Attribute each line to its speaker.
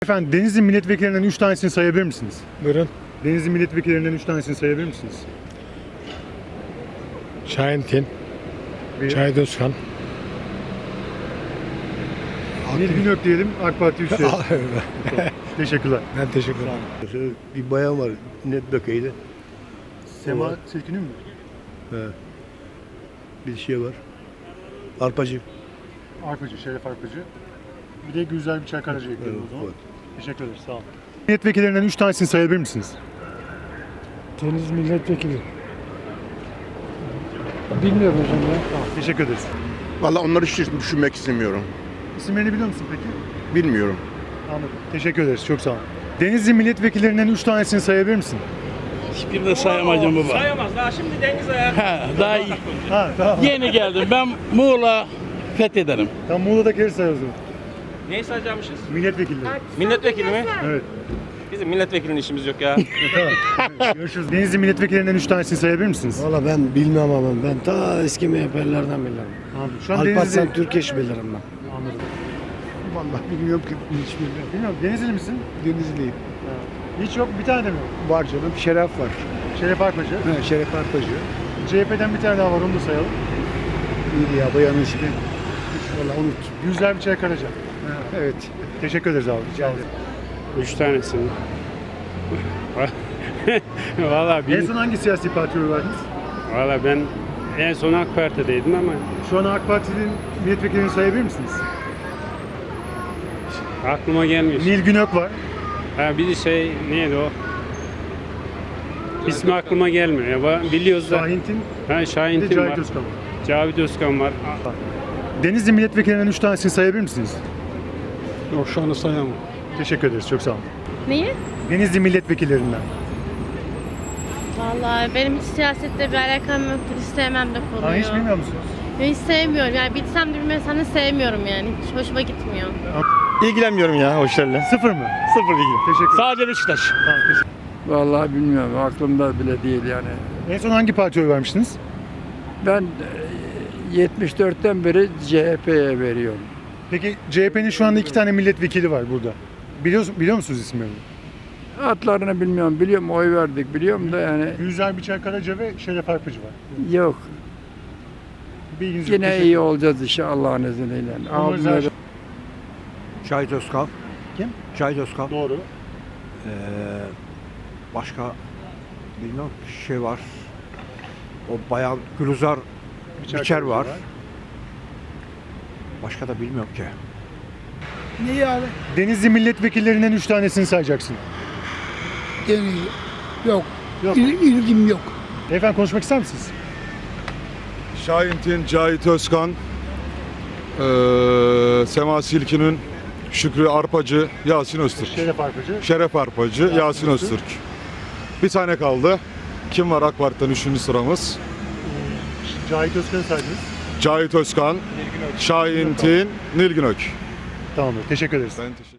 Speaker 1: Efendim Denizli milletvekillerinden 3 tanesini sayabilir misiniz?
Speaker 2: Buyurun.
Speaker 1: Denizli milletvekillerinden 3 tanesini sayabilir misiniz?
Speaker 2: Şahin Tin,
Speaker 1: Bir,
Speaker 2: Cahit Özkan.
Speaker 1: Nilgün Ök diyelim, AK Parti üstü. Teşekkürler.
Speaker 2: Ben teşekkür ederim.
Speaker 3: Bir bayan var milletvekili.
Speaker 1: Sema
Speaker 3: Olur.
Speaker 1: Silkin'in mi?
Speaker 3: He. Bir şey var. Arpacı.
Speaker 1: Arpacı, Şeref Arpacı. Bir de Gülzar Biçer Karaca ekledim o zaman.
Speaker 3: Evet.
Speaker 1: Teşekkür ederiz, sağ olun. Milletvekillerinden 3 tanesini sayabilir misiniz?
Speaker 2: Deniz milletvekili. Bilmiyorum hocam ya.
Speaker 1: Tamam, teşekkür ederiz.
Speaker 4: Vallahi onları hiç düşünmek istemiyorum.
Speaker 1: İsimlerini biliyor musun peki?
Speaker 4: Bilmiyorum.
Speaker 1: Anladım. Teşekkür ederiz, çok sağ olun. Denizli milletvekillerinden 3 tanesini sayabilir misin?
Speaker 5: Hiçbirini de sayamayacağım baba.
Speaker 6: Sayamaz. Daha şimdi Deniz Ayar.
Speaker 5: Ha, daha iyi.
Speaker 1: Ha, tamam.
Speaker 5: Yeni geldim. Ben Muğla fethederim.
Speaker 1: Tam Muğla'dakileri say o zaman.
Speaker 6: Neyi sayacakmışız?
Speaker 1: Milletvekilleri.
Speaker 6: Milletvekili mi?
Speaker 1: Evet.
Speaker 6: Bizim milletvekilinin işimiz yok ya.
Speaker 1: Tamam. Görüşürüz. Denizli milletvekillerinden 3 tanesini sayabilir misiniz?
Speaker 2: Valla ben bilmem ama ben ta eski MHP'lilerden bilirim.
Speaker 1: Anladım. Şu an
Speaker 2: Alparslan
Speaker 1: Denizli...
Speaker 2: Türkeş bilirim ben.
Speaker 1: Anladım.
Speaker 3: Vallahi bilmiyorum ki hiç bilmiyorum.
Speaker 1: Bilmiyorum, Denizli misin?
Speaker 3: Denizliyim.
Speaker 1: Hiç yok, bir tane de mi?
Speaker 3: Var canım. Şeref var.
Speaker 1: Şeref Arpacı.
Speaker 3: He, Şeref Arpacı.
Speaker 1: CHP'den bir tane daha var, onu da sayalım.
Speaker 3: İyiydi ya bayanın ismi. Valla unut.
Speaker 1: Gülzar Biçer Karaca.
Speaker 3: Evet.
Speaker 1: Teşekkür ederiz abi. Sağ olun.
Speaker 7: 3 tanesi mi? Valla
Speaker 1: En son hangi siyasi partiye oy verdiniz?
Speaker 7: ben en son AK Parti'deydim ama
Speaker 1: Şu an AK Parti'nin milletvekillerini sayabilir misiniz?
Speaker 7: aklıma gelmiyor.
Speaker 1: Nilgün Ök var.
Speaker 7: Ha bir de şey neydi o? İsmi aklıma gelmiyor. Ya biliyoruz da.
Speaker 1: Şahintin.
Speaker 7: Ha
Speaker 1: Bir
Speaker 7: Şahin
Speaker 1: de
Speaker 7: Tim
Speaker 1: Cahit
Speaker 7: var.
Speaker 1: Özkan var.
Speaker 7: Cavit Özkan var.
Speaker 1: Denizli milletvekillerinden 3 tanesini sayabilir misiniz?
Speaker 2: Yok şu anda sayamam.
Speaker 1: Teşekkür ederiz. Çok sağ olun.
Speaker 8: Neyi?
Speaker 1: Denizli milletvekillerinden.
Speaker 8: Vallahi benim hiç siyasetle bir alakam yoktur. Hiç sevmem de konuyu.
Speaker 1: Ha, hiç bilmiyor musunuz?
Speaker 8: Ben hiç sevmiyorum. Yani bilsem de bilmesem de sevmiyorum yani. Hiç hoşuma gitmiyor.
Speaker 4: İlgilenmiyorum ya o işlerle.
Speaker 1: Sıfır mı?
Speaker 4: Sıfır ilgim.
Speaker 1: Teşekkür ederim.
Speaker 4: Sadece Beşiktaş.
Speaker 1: Tamam, teşekkür.
Speaker 9: Vallahi bilmiyorum. Aklımda bile değil yani.
Speaker 1: En son hangi partiye oy vermiştiniz?
Speaker 9: Ben 74'ten beri CHP'ye veriyorum.
Speaker 1: Peki CHP'nin şu anda 2 tane milletvekili var burada. Biliyor musunuz isimlerini?
Speaker 9: Adlarını bilmiyorum. Biliyorum oy verdik biliyorum da yani
Speaker 1: Gülzar Biçer Karaca ve Şeref Arpacı var.
Speaker 9: yok.
Speaker 1: Bilginiz yok.
Speaker 9: Yine
Speaker 1: Teşekkür
Speaker 9: iyi olacağız inşallah Allah'ın izniyle.
Speaker 1: Umarız her
Speaker 9: Abimle
Speaker 1: şey-
Speaker 3: Cahit Özkan.
Speaker 1: Kim?
Speaker 3: Cahit Özkan.
Speaker 1: Doğru.
Speaker 3: Başka bilmiyorum şey var. O bayan Gülzar Biçer
Speaker 1: Karaca
Speaker 3: var. Başka da bilmiyorum ki.
Speaker 2: Neyi abi?
Speaker 1: Denizli milletvekillerinden 3 tanesini sayacaksın.
Speaker 2: Yok.
Speaker 1: Yok.
Speaker 2: İlgim yok.
Speaker 1: Efendim konuşmak ister misiniz?
Speaker 10: Şahin Tin, Cahit Özkan, Sema Silkin'in, Şükrü Arpacı, Yasin Öztürk.
Speaker 1: Şeref Arpacı.
Speaker 10: Şeref Arpacı, Yasin Öztürk. Bir tane kaldı. Kim var AK Parti'den 3. sıramız?
Speaker 1: Cahit Özkan'ı saydınız.
Speaker 10: Cahit Özkan, Şahin Tin, Nilgün Ök.
Speaker 1: Tamamdır. Teşekkür ederiz.
Speaker 10: Ben teşekkür